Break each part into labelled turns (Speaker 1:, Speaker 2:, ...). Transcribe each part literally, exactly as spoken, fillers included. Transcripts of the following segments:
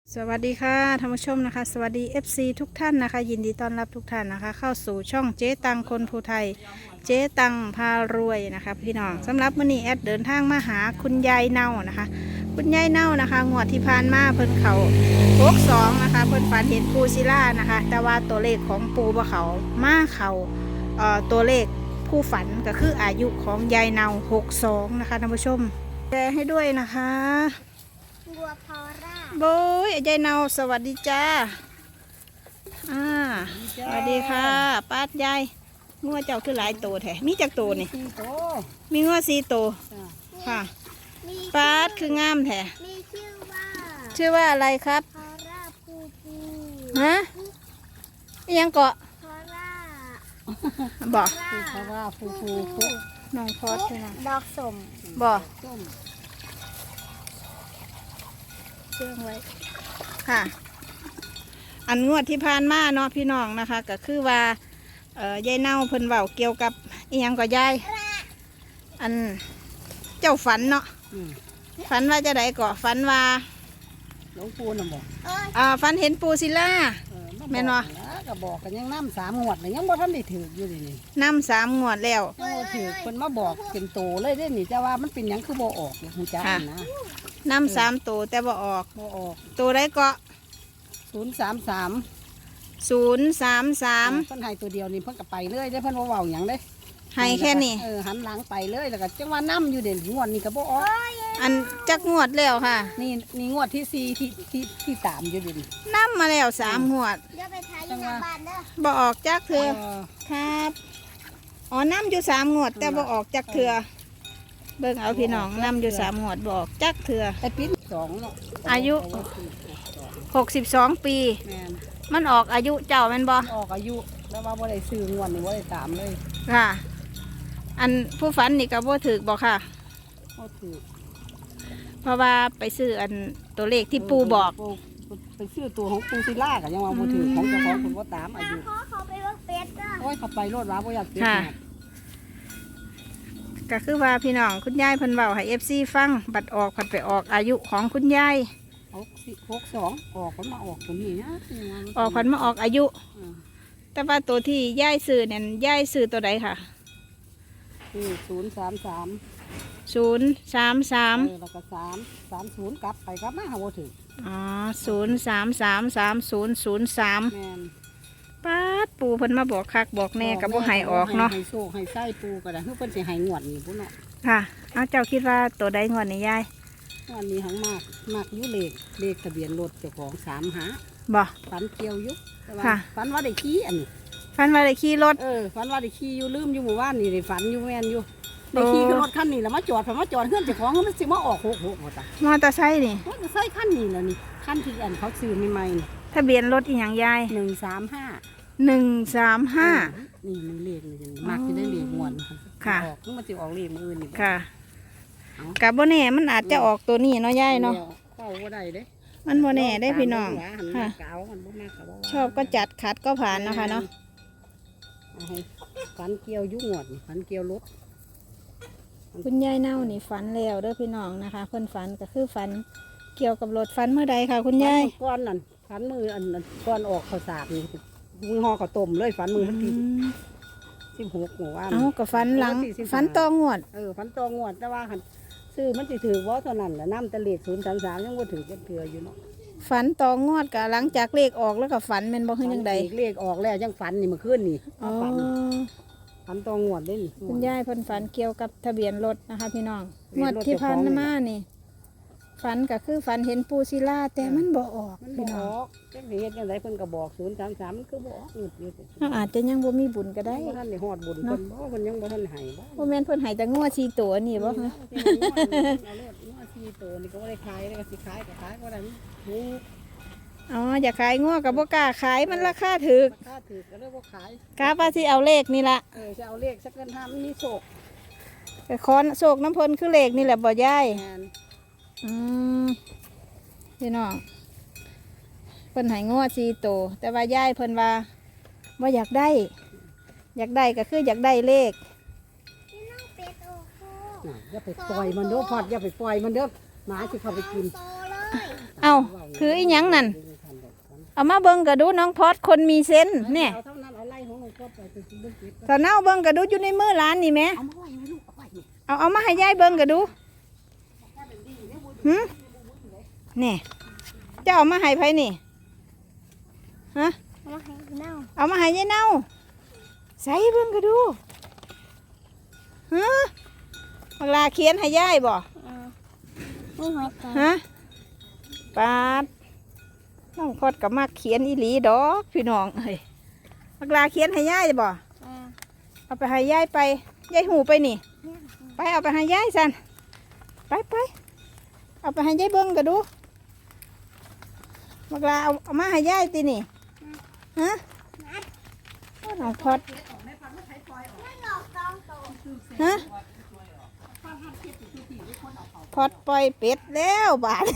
Speaker 1: สวัสดีค่ะท่านผู้ชมนะคะสวัสดี เอฟ ซี ทุกท่านนะคะยินดีต้อนรับทุกท่านนะคะเข้าสู่ช่องเจ๊ตังคนภูไทยเจ๊ตังพารวยนะคะพี่น้องสำหรับมื้อนี้แอดเดินทางมาหาคุณยายเน่านะคะคุณยายเน่านะคะงวดที่ผ่านมาเพิ่นเขาหกสองนะคะเพิ่นฝันเห็นปูศิลานะคะแต่ว่าตัวเลขของปูบ่เขามาเขาเอ่อตัวเลขผู้ฝันก็คืออายุของยายเน่าหกสองนะคะท่านผู้ชมแชร์ให้ด้วยนะคะ
Speaker 2: บัวพอร่า
Speaker 1: โบยยายเนาสวัสดีจ้าอ่าสวัสดีค่ะป้ายายงัวเจ้าคือหลายโตแท้มีจักโตนี่มีงัวสี่โตค่ะป้าดคืองามแท้
Speaker 2: มีชื่อว่า
Speaker 1: ชื่อว่าอะไรครับ
Speaker 2: พอร่าปูปู
Speaker 1: ฮะยังเกาะ
Speaker 2: พอร่า
Speaker 1: บอก
Speaker 3: พอร่าปูปู
Speaker 1: น้องพอดใช่ไหม
Speaker 2: ดอกสม
Speaker 1: บอกเชื่องไว้ค่ะอันงวดที่ผ่านมาเนาะพี่น้องนะคะก็คือว่าเอ่อยายเน่าเพิ่นเว้าเกี่ยวกับอีหยังก็ยายอันเจ้าฝันเนาะฝันว่าจะไดก็ฝันว่า
Speaker 3: หลวงปู่น่ะบอก
Speaker 1: อ่าฝันเห็นปูศิลาแม่นบ่
Speaker 3: ก็บอกกันยังน้ำสามงวดเลยยังบ่ทันได้ถืออยู่เลยนี่
Speaker 1: น้ำสามงวดแล้ว
Speaker 3: ยังบ่ถือเพิ่นมาบอกเป็นโตเลยได้นี่จะว่ามันเป็นหยังคือบ่ออกเลยฮู้จักนะ
Speaker 1: น้ำสามตัวแต่บ่ออก
Speaker 3: บ่ออก
Speaker 1: ตัวใดก็
Speaker 3: ศูนย์สามสาม
Speaker 1: ศูนย์สามสาม
Speaker 3: เพิ่นให้ตัวเดียวนี่เพิ่นก็ไปเลยได้เพิ่นบ่เว้าหยังเด้
Speaker 1: ให้แค่นี้
Speaker 3: เออหันหลังไปเลยแล้วก็จังว่าน้ำอยู่เด่นงวดนี้ก็บ่ออก
Speaker 1: อันจักงวดแล้วค่ะ
Speaker 3: นี่นี่งวดที่สี่ที่ที่ที่สามอยู่เด่น
Speaker 1: น้ำมาแล้วสามงวด
Speaker 2: เดี๋ยวไปทายอยู่หน้าบ้านเด้อ
Speaker 1: บ่ออกจักเถื่อครับอ๋อน้ำอยู่สามงวดแต่บ่ออกจักเถื่อเบิ่งเอาพี่น้องน้ำอยู่สามงวดบ่ออกจักเถื่อ
Speaker 3: ไอ้ปีสองเนาะ
Speaker 1: อายุหกสิบสองปีมันออกอายุเจ้าแม่นบ่
Speaker 3: ออกอายุแล้วว่าบ่ได้ซื้องวดนี่บ่ได้ตามเลย
Speaker 1: ค่ะอันผู้ฝันนี่ก็บ่ถูกบ่ค่ะ
Speaker 3: บ่ถูก
Speaker 1: เพราะว่าไปซื้ออันตัวเลขที่ปูบอก
Speaker 3: ไปซื้อตัวของปูศิลาก็ยังว่าบ่ถูกของเจ้าของคนบ่ตามอายุ
Speaker 2: ขอเขาไปว่าเป็ดจ้ะ
Speaker 3: โอ้ยเขาไปโลดว่าบ่อยากเป็ด
Speaker 1: ก็คือว่าพี่น้องคุณยายเพิ่นเว้าให้ เอฟ ซี ฟังบัดออกผัดไปออกอายุของคุณยาย
Speaker 3: หกสิบหกสองออกมันมาออกตัวนี้นะ
Speaker 1: ออกผัดมาออกอายุแต่ว่าตัวที่ยายซื้อเนี่ยยายซื้อตัวใดค่ะ
Speaker 3: คือศูนย์สามสาม
Speaker 1: ศูนย์สามสาม
Speaker 3: แล้วก็สามสามศูนย์กลับไปกลับมาหาบ่ถึง
Speaker 1: อ๋อศูนย์สามสามสามศูนย์ศูนย์สามป้าดปูเพิ่นมาบอกคักบอกแน่กับบ่ให้ออกเนาะ
Speaker 3: ให้โซ่ให้ไส้ปูก็ได้เพิ่นสิให้งวดนี่พุ่นเนาะ
Speaker 1: ค่ะเอาเจ้าคิดว่าตัวใดงวดนี่ยาย
Speaker 3: งวดนี้หังมากมากอยู่เลขเลขทะเบียนรถเจ้าของสามหา
Speaker 1: บ่
Speaker 3: ฝันเกี่ยวอยู่ค่ะฝันว่าได้ขี่อันนี้
Speaker 1: ฝันว่าได้ขี่รถ
Speaker 3: เออฝันว่าได้ขี่อยู่ลืมอยู่หมู่บ้านนี่ได้ฝันอยู่แม่นอยู่ได้ขี่ขึ้นรถคันนี้แล้วมาจอดพอมาจอดเพื่อนเจ้าของมันสิมาออกหกหกหมดอ่ะ
Speaker 1: มอเตอร์ไซค์นี่
Speaker 3: มอเตอร์ไซค์คันนี้แล้วนี่คันที่อันเขาซื้อใหม่
Speaker 1: ๆทะเบียนรถอีหยังยาย
Speaker 3: หนึ่งสามห้า
Speaker 1: หนึ่งสามห้า
Speaker 3: นี่มีเลขเลยมากจะได้เลขมวน
Speaker 1: ค่ะ
Speaker 3: ออกมันจะออกเลขมืออื่นนี่
Speaker 1: ค่ะกับโบแน่มันอาจจะออกตัวนี้เนาะยายเนาะ
Speaker 3: เข้าก็ได้เด้
Speaker 1: มันโบแน่ได้พี่น้องค่ะชอบก็จัดขัดก็ผ่านนะคะเนาะ
Speaker 3: ฝันเกี่ยวยุ่งหวดฝันเกี่ยวรถ
Speaker 1: คุณยายเน่านี่ฝันแล้วเด้อพี่น้องนะคะเพิ่นฝันก็คือฝันเกี่ยวกับรถฝันเมื่อใดค่ะคุณยาย
Speaker 3: ก้อนนั่นฝันมืออันก้อนออกข้าวสารนี่มือห่อข้าวต้มเลยฝันมือมันที่สิบหกหัว
Speaker 1: เอ้ากับฝันหลังฝันตองวด
Speaker 3: เออฝันตองวดแต่ว่าหันซื้อมันจะถือว่าเท่านั้นแหละน้ำตะเลดศูนย์สามสามยังว่าถือจะเถื่ออยู่เนาะ
Speaker 1: ฝันตองวดกับหลังจากเลขออกแล้วก็ฝันเป็นบ่ขึ้นยังไง
Speaker 3: เลขออกแล้วยังฝันนี่เมื่อคืนนี่ฝันฝันตองวดได้นี่
Speaker 1: คุณยายเพิ่นฝันเกี่ยวกับทะเบียนรถนะคะพี่น้องงวดที่ผ่านมานี่ฝันก็คือฝันเห็นปูศิลาแต่มันบ่ออก
Speaker 3: มันบ่ออกจังสิเฮ็ดจังไดเพิ่นก็บอกศูนย์สามสามมันคือบ่ออกอึดอยู่
Speaker 1: เฮาอาจจะยังบ่มีบุญก็ได้
Speaker 3: บ่ทันได้ฮอดบุญเพิ่นบ่เพิ่นยังบ่ทันให้
Speaker 1: บ่บ่แม่นเพิ่นให้แต่งัวสี่ตัวนี่บ่ฮะ
Speaker 3: เอาเลขงัวสี่ตัวนี่ก็บ่ได้ขายแล้วก็สิขายก็ขายบ่ได้ฮู้
Speaker 1: อ๋ออยากขายงัวก็บ่กล้าขายมันราคาถูก
Speaker 3: ราคาถูกก็เลยบ่ขาย
Speaker 1: กะว่าสิเอาเลขนี่ล่ะ
Speaker 3: เออสิเอาเลขสักเงินห้ามันมีโชค
Speaker 1: ก็ขอโชคน้ำเพิ่นคือเลขนี่แหละบ่ยายอืมพี่น้องเพิ่นให้งัวสี่ตัวแต่ว่ายายเพิ่นว่าว่าอยากได้อยากได้ก็คืออยากได้เลข
Speaker 3: อย่าไปปล่อยมันเด้อพอดอย่าไปปล่อยมันเด้อหมาสิเข้าไปกิน
Speaker 1: เอ้าคืออีหยังนั่นเอามาเบิ่งกระดูน้องพอดคนมีเซนเนี่ย
Speaker 3: เอาเท่านั้นเอาไล่ของหลวงพ่อไปไปเบิ่งเก็บ
Speaker 1: ตอนเน่าเบิ่งกระดูอยู่ในมือร้านนี่แหม่
Speaker 3: เอามาไว้ไว้ลูกเอาไว้นี่
Speaker 1: เอาเอามาให้ยายเบิ่งกระดูหึนี่เจ้าเอามาให้ไผนี่ฮะ
Speaker 2: เอามาให้เน่า
Speaker 1: เอามาให้ยายเน่าใส่เบิ่งกระดูฮะเวลาเขียนให้ยายบ่
Speaker 2: เออนี่หัวใจ
Speaker 1: ฮะปาดน้องพอดกับมากเขียนอีหลีดอกพี่น้องเอ้ยเวลาเขียนให้ยายบ่
Speaker 2: เออ
Speaker 1: เอาไปให้ยายไปยายหูไปนี่
Speaker 2: เนี่ย
Speaker 1: ไปเอาไปให้ยายสันไปไปเอาไปให้ยายเบิ้งก็ดูบักลาเอาเอามาให้ยายตีนี่ฮะน้องพอด
Speaker 2: ไม่หลอกกองโต
Speaker 1: ฮะพอดปล่อยเป็ดแล้วบาด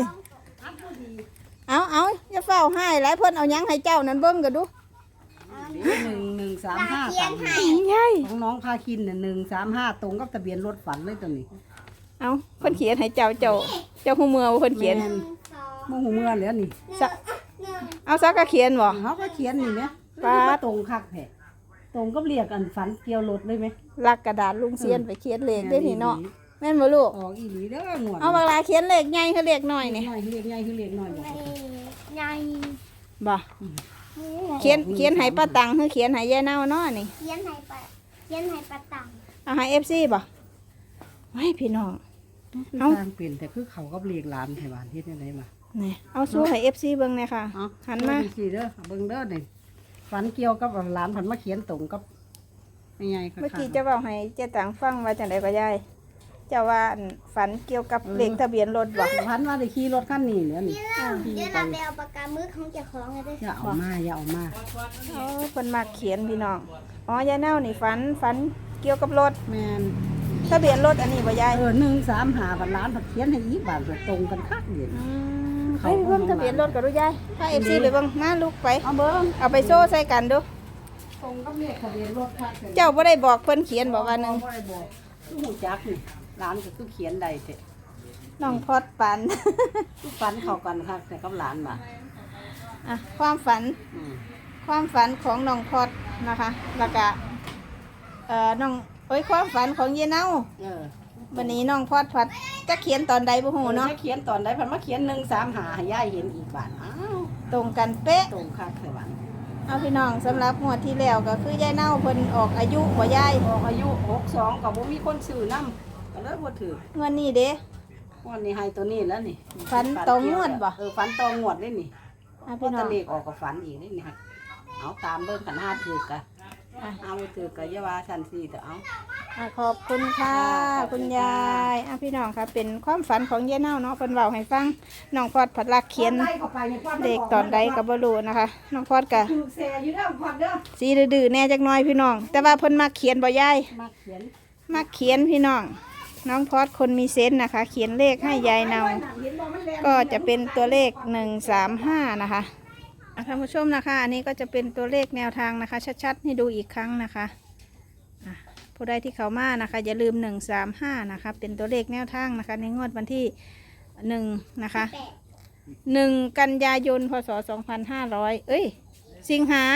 Speaker 1: เอาเอาอย่าเฝ้าให้หลายเพิ่นเอาหยังให้เจ้านั่นเบิ้งก็ดู
Speaker 3: หนึ่งหนึ่งสามห้า
Speaker 2: เขีย
Speaker 3: ตั
Speaker 2: น
Speaker 3: งค์
Speaker 2: ให้
Speaker 1: ยาย
Speaker 3: ของน้องพาคินเนี่ยหนึ่งสามห้าตรงกับทะเบียนรถฝันเลยตัวนี้
Speaker 1: เอาเพิ่นเขียนให้เจ้าเจ้าเจ้าหูเมือว่าเพิ่นเขียน
Speaker 3: แม่
Speaker 2: หนึ่งสอง
Speaker 3: โมโหเมื่อแล้วนี่
Speaker 1: สะ
Speaker 2: หนึ่ง
Speaker 1: เอาซักกะเขียนบ่
Speaker 3: เขาก็เขียนนี่ไหม
Speaker 1: ปาด
Speaker 3: ว่าตรงคักแผลตรงก็เรียกอันฝันเกี่ยวรถเลยไหม
Speaker 1: ลักกระดาษลุงเซียนไปเขียนเลขได้นี่เนาะแม่นบ่ลูก
Speaker 3: ออกอีหลีเด้อหนวด
Speaker 1: เอาเวลาเขียนเลขใหญ่คือเลขน้อยนี่
Speaker 3: หน่อยเรียกใหญ่คือเรียกหน่อยบอก
Speaker 2: ใหญ่
Speaker 1: บ่เขียนเขียนให้ป้าตังคือเขียนให้ยายเน่าเนาะนี่
Speaker 2: เขียนให้ปะเขียนให้ปะตัง
Speaker 1: เอาให้ เอฟ ซี บ่ไม่พี่น้อง
Speaker 3: เอาทางเปลี่ยนแต่คือเขาก็เรียกหลานไทยบ้านที่ไหนมา
Speaker 1: นี่เอาสู้ให้ เอฟ ซี เบิ่งเลยค่ะ
Speaker 3: เอา
Speaker 1: หันมา
Speaker 3: เบิ่งสิเด้อเบิ่งเด้อนี่ฝันเกี่ยวกับหลานผันมาเขียนตรงกับยังไงก็
Speaker 1: เมื่อกี้เจะเว้าให้เจ๊ตังฟังว่าจังได๋ก็ยายเจ้าว่าอันฝันเกี่ยวกับเลขทะเบียนรถบ่
Speaker 3: พันว่าได้ขี่รถคันนี้เหลือนี่
Speaker 2: เดี๋ยวเราไปเอาปากกามือของเจ้าของเลยเด้อ
Speaker 3: อย่าเอามาอย่าเอามา
Speaker 1: เออเพิ่นมักเขียนพี่น้องอ๋อยายเน่านี่ฝันฝันเกี่ยวกับรถ
Speaker 3: แมน
Speaker 1: ทะเบียนรถอันนี้บ่ยาย
Speaker 3: เออหนึ่งสามหาบัตรล้านผัดเขียนให้อีกบาทเกิดตรงกันคักเดียว
Speaker 1: อืมไปเบิ่งทะเบียนรถก็ดูยายพา เอฟ ซี ไปเบิ่งมาลูกไป
Speaker 3: เอาเบิ้ง
Speaker 1: เอาไปโซ่ใส่กันดู
Speaker 3: ตรงกับเลขทะเบียนรถคัก
Speaker 1: เจ้าบ่ได้บอกเพิ่นเขียนบอกว่าหนึง
Speaker 3: บ่ได้บอกคือหูจักนี่ร้านก็คือเขียนใดเถอะ
Speaker 1: น้องพอดปัน
Speaker 3: คือฝันเข้ากันคักแต่กับหลานมา
Speaker 1: อ่ะความฝัน
Speaker 3: อืม
Speaker 1: ความฝันของน้องพอดนะคะ แล้วก็เอ่อน้องเอ้ยความฝันของเยเน่า
Speaker 3: เออ
Speaker 1: วันนี้น้องพอดพัดจะเขียนตอนใดบ่ฮู้เนาะ
Speaker 3: ถ้เขียนตอนใดพันมาเขียนหนึ่งสามหาให้ย่ายเห็นอีกบาทอ้าว
Speaker 1: ตรงกันเป๊ะ
Speaker 3: ตรงคักเลยบ้าน
Speaker 1: เอาพี่น้องสำหรับงวดที่แล้วก็คือยายเน่าเพิ่นออกอายุบ่ยาย
Speaker 3: ออกอายุหกสองกับบ่มีคนซื้อนำก็เลยบ่ถือ
Speaker 1: เงินนี้เด้
Speaker 3: วันนี้ให้ตัวนี้แล้วนี่
Speaker 1: ฝันตองวดบ่
Speaker 3: เออฝันตองวดเลยนี่
Speaker 1: อ่ะ
Speaker 3: พอ
Speaker 1: พี่น้
Speaker 3: ตะ
Speaker 1: อง
Speaker 3: เลกออกกับฝันอีกนี่นี่ฮะเอาตามเบิ่งกันห้าถือกะ
Speaker 1: อ่ะ
Speaker 3: เอาไปถือกะอยาว่าชันสี่แต่เอา
Speaker 1: อ่ะขอบคุณค่ะคุณยายอ่ะพี่น้องค่ะเป็นความฝันของยายเน่าเนาะเพิ่นเว้าให้ฟังน้องพอดผัดลักเขียน
Speaker 3: ไล่เข้าไปในความ
Speaker 1: เลขตอนใดก็บ่รู้นะคะน้องพอดก็
Speaker 3: ถือแซ่อยู่แล้วพอดเด้อ
Speaker 1: สีดื้อๆแน่จักหน่อยพี่น้อง แต่ว่าเพิ่นมักเขียนบ่ยาย
Speaker 3: มาเขียน
Speaker 1: มักเขียนพี่น้อง น้องพอดคนมีเซนส์นะคะ เขียนเลขให้ยายเนา
Speaker 3: เห็นบ่มันแรง
Speaker 1: ก็จะเป็นตัวเลขหนึ่งสามห้านะคะอ่ะท่านผู้ชมนะคะ อันนี้ก็จะเป็นตัวเลขแนวทางนะคะ ชัดๆให้ดูอีกครั้งนะคะอ่ะผู้ใดที่เขามานะคะ อย่าลืมหนึ่งสามห้านะคะ เป็นตัวเลขแนวทางนะคะ ในงวดวันที่หนึ่งนะคะหนึ่งกันยายนพศสองพันห้าร้อยเอ้ย สิงหา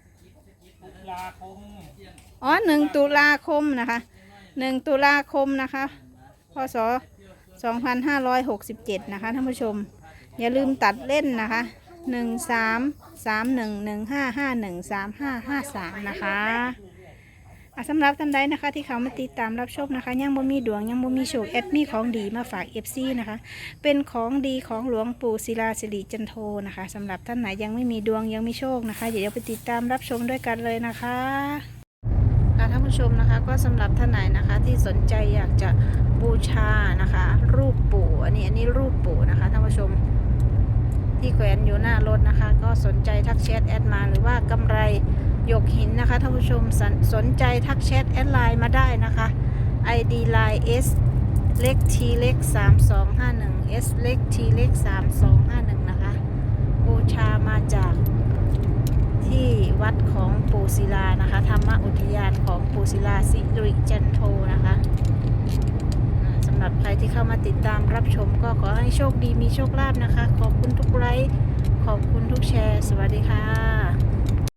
Speaker 1: อ๋อหนึ่งตุลาคมนะคะหนึ่งตุลาคมนะคะพศสองพันห้าร้อยหกสิบเจ็ดนะคะท่านผู้ชม อย่าลืมตัดเล่นนะคะหนึ่งสามสามหนึ่งหนึ่งห้าห้าหนึ่งสามห้าห้าสามนะคะอ่ะสำหรับท่านใดนะคะที่เขามาติดตามรับชมนะคะยังบ่มีดวงยังบ่มีโชคแอดมีของดีมาฝากเอฟซีนะคะเป็นของดีของหลวงปู่ศิลาสิริจันโทนะคะสำหรับท่านไหนยังไม่มีดวงยังไม่โชคนะคะเดี๋ยวไปติดตามรับชมด้วยกันเลยนะคะค่ะท่านผู้ชมนะคะก็สำหรับท่านไหนนะคะที่สนใจอยากจะบูชานะคะ รูปปู่อันนี้อันนี้รูปปู่นะคะท่านผู้ชมที่แขวนอยู่หน้ารถนะคะ ก็สนใจทักแชทแอดมาหรือว่ากำไรหยกหินนะคะท่านผู้ชมสนสนใจทักแชทแอดไลน์มาได้นะคะ ไอ ดี ไลน์ S เล็ก T เล็กสามสองห้าหนึ่ง S เล็ก T เล็กสามสองห้าหนึ่งนะคะบูชามาจากที่วัดของปู่ศิลานะคะธรรมอุทยานของปู่ศิลาสิริจันโทนะคะอ่าสำหรับใครที่เข้ามาติดตามรับชมก็ขอให้โชคดีมีโชคลาภนะคะ ขอบคุณทุกไลค์ขอบคุณทุกแชร์สวัสดีค่ะ